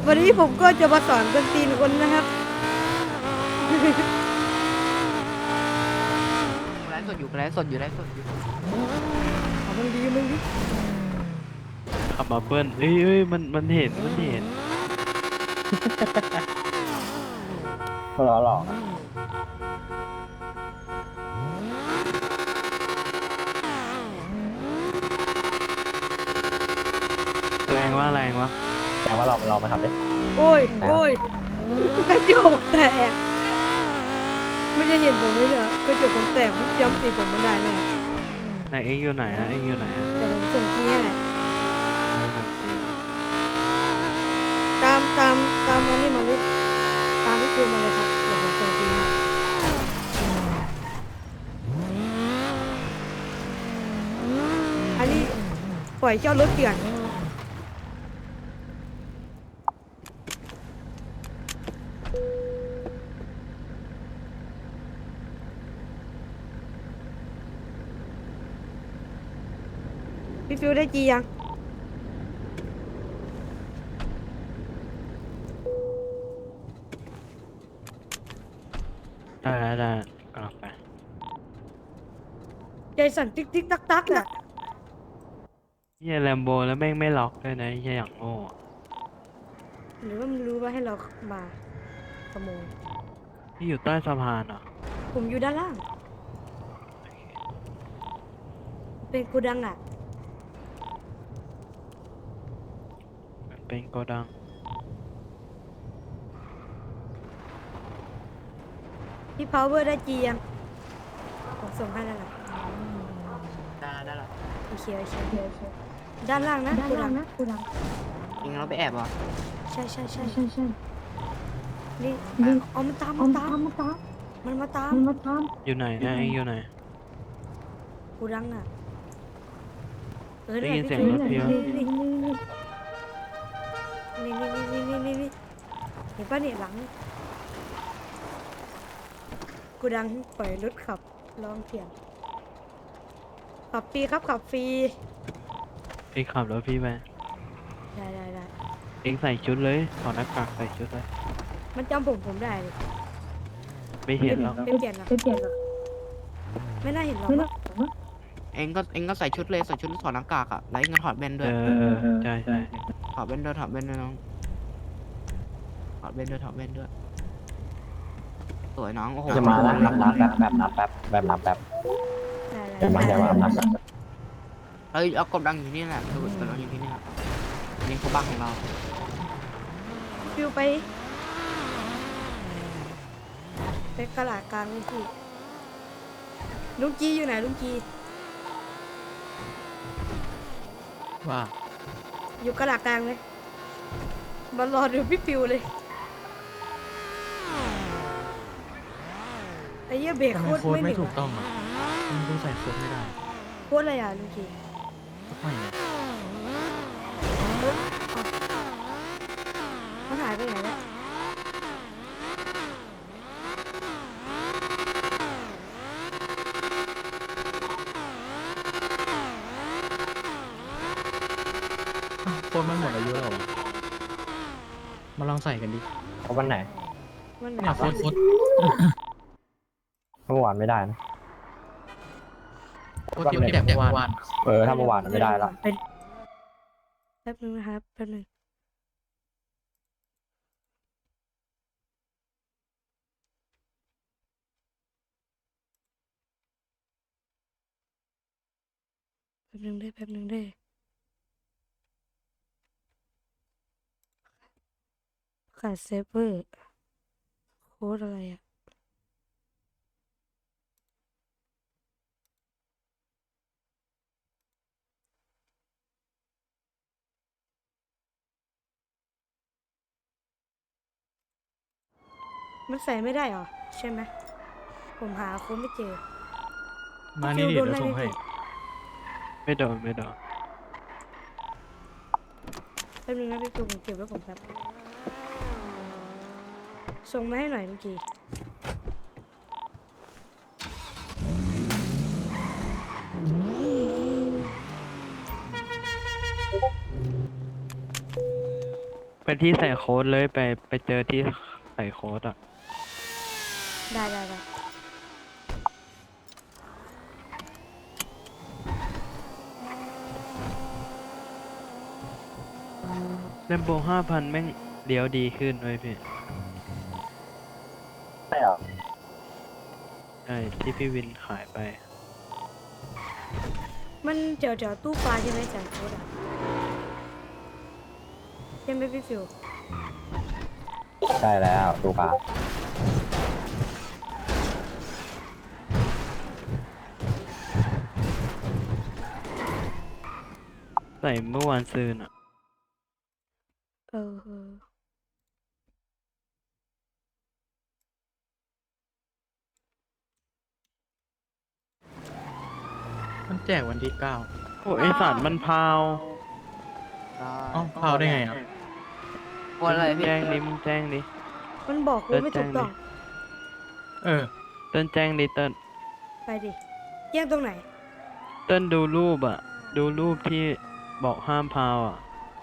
วันนี้ผมก็จะมาสอนคนตีนคนนะครับไลฟ์สดอยู่ไลฟ์สดอยู่ไลฟ์สดอยู่เอามันดีมึงดิขับมาเบิ้ลเอ้ยมันเห็นก็ล้อหลอกแรงวะแต่ว่าเรามาทำดิโอ้ยกระจกแตกไม่จะเห็นผมเลยเหรอกระจกผมแตกผมย้ำตีผมไม่ได้แน่ไหนเอ็งอยู่ไหนอะแต่ผมส่งที่ให้แหละตามมานี่มาเลยตามที่คือมาเลยครับเดี๋ยวผมส่งที่ให้อันนี้ปล่อยเจ้ารถเถื่อนพี่ฟิวได้จียังได้กลับไปใจสั่นติ๊กติ๊กตักตักอ่ะเฮียแลมโบแล้วแม่งไม่ล็อกด้วยนะเฮียอย่างโง่อะหรือว่ามันรู้ว่าให้เรามาขโมยที่อยู่ใต้สะพานเหรอผมอยู่ด้านล่าง เป็นกูดังอ่ะมันเป็นโกดังพี่พาวเวอร์ได้จียังผมส่งให้แล้วล่ะได้ละโอเคด้านล่างนะกูดังเองเราไปแอบเหรอใช่นี่เอามันตามมันมาตามอยู่ไหนนะเอ็งอยู่ไหนกูดังอ่ะได้ยินเสียงรถพี่ปะนี่เห็นปะเนี่ยหลังกูดังปล่อยรถขับลองเถียงขับฟรีครับขับฟรีเอ็งขับรถพี่ไปได้เอ็งใส่ชุดเลยถอดหน้ากากใส่ชุดเลยมันจำผมได้เลยไม่เห็นหรอกเป็นเปลี่ยนหรอไม่น่าเห็นหรอกมั้งเองก็ใส่ชุดเลยใส่ชุดถอดหน้ากากอ่ะแล้วเองก็ถอดแว่นด้วยใช่ถอดแว่นด้วยน้องถอดแว่นด้วยสวยน้องโอ้โหจะมาแล้วนับแป๊บนับแป๊บจะมานับแป๊บเฮ้ยเอากดดังอยู่นี่แหละกดดังอยู่ที่นี่แหละนี่เขาบ้านของเราฟิวไปกระดาษกลางเลยพี่ลุงจีอยู่ไหนลุงจีว่าอยู่กระดาษกลางเลยมารอดูพี่ฟิวเลยไอ้เหี้ยเบรกโคตรไม่ถูกต้องอ่ะมึงต้องใส่โค้ดไม่ได้โคตรอะไรอ่ะลุงจีไม่ไงมันหายไปไหนแล้วโค้ดมันหมดอายุแล้วเหรอมาลองใส่กันดิเขาวันไหนมันไหนเนี่ยโค้ดเมื่อวานไม่ได้นะโค้ดที่แบบเมื่อวานถ้าเมื่อวานไม่ได้ละแป๊บนึงนะครับแป๊บนึงแป๊บนึงได้ขาดเซฟเวอร์โค้ดอะไรอ่ะมันใส่ไม่ได้หรอใช่ไหมผมหาโค้ดไม่เจอมานี่ดิเดี๋ยวส่งให้ไม่โดนแป๊บนึงนะพี่ตูผมเก็บไว้ผมแป๊บส่งมาให้หน่อยเมื่อกี้ไปที่ใส่โค้ดเลยไปเจอที่ใส่โค้ดอ่ะได้แลมโบ5,000แม่งเลี้ยวดีขึ้นเว้ยพี่ใช่เหรอใช่ที่พี่วินขายไปมันเดี๋ยวตู้ปลาใช่ไหมแสนโคตรอ่ะใช่ไหมพี่ฟิวใช่แล้วตูปลาใส่เมื่อวานซืนอ่ะเออมันแจกวันที่9 โอ้ยไอสัตว์มันพาวเอ้าพาวได้ไงอ่ะวันอะไรพี่แจ้งดิมึงแจ้งดิมันบอกโค้ดไม่ถูกต้องเออเติ้ลแจ้งดิเติ้ลไปดิแย่งตรงไหนเติ้ลดูรูปอ่ะ ดูรูปที่บอกห้ามพาวอ่ะ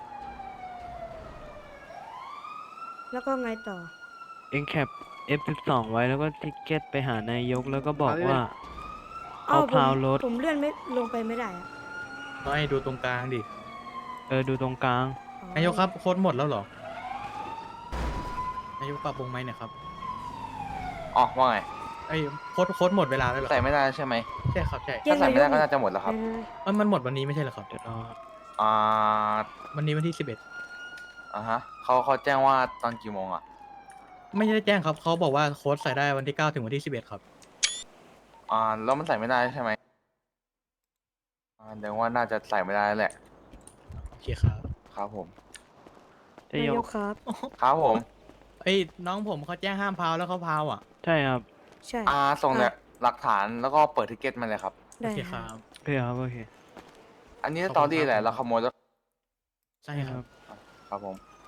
แล้วก็ไงต่อเอ็งแคป F12 ไว้แล้วก็ทิกเก็ตไปหานายกแล้วก็บอกว่าอ้าวเอาพาวรถผมเลื่อนไม่ลงไปไม่ได้อะก็ให้ดูตรงกลางดิดูตรงกลางอ๋อนายกครับโค้ดหมดแล้วเหรอ นายกปรับปรุงไหมเนี่ยครับอ๋อว่าไงไอ้ยโค้ดหมดเวลาแล้วเหรอใส่ไม่ได้ใช่ไหมใช่ครับใช่แย่ถ้าง ใส่ไม่ได้นายก็กน่าจะหมดแล้วครับมันหมดวันนี้ไม่ใช่เหรอครับเดี๋ยวรออ่าวันนี้วันที่อ่าฮะเขาแจ้งว่าตอนกี่โมงอ่ะ 11ไม่ได้แจ้งครับเขาบอกว่าโค้ดใส่ได้วันที่9ถึงวันที่11ครับแล้วมันใส่ไม่ได้ใช่ไหมเดี๋ยวว่าน่าจะใส่ไม่ได้แหละโอเคครับครับผมจะนายยกกครับครับผมเอ้ยน้องผมเขาแจ้งห้ามพาวแล้วเขาพาวอ่ะใช่ครับใช่ส่งเนี่ยหลักฐานแล้วก็เปิดทิเก็ตมาเลยครับโอได้เคคครัรับ บโอเคครับ โอเคอันนี้ขอบสคุณตอรี่ครับแหละเราขโมยแล้วใช่ครับครับผม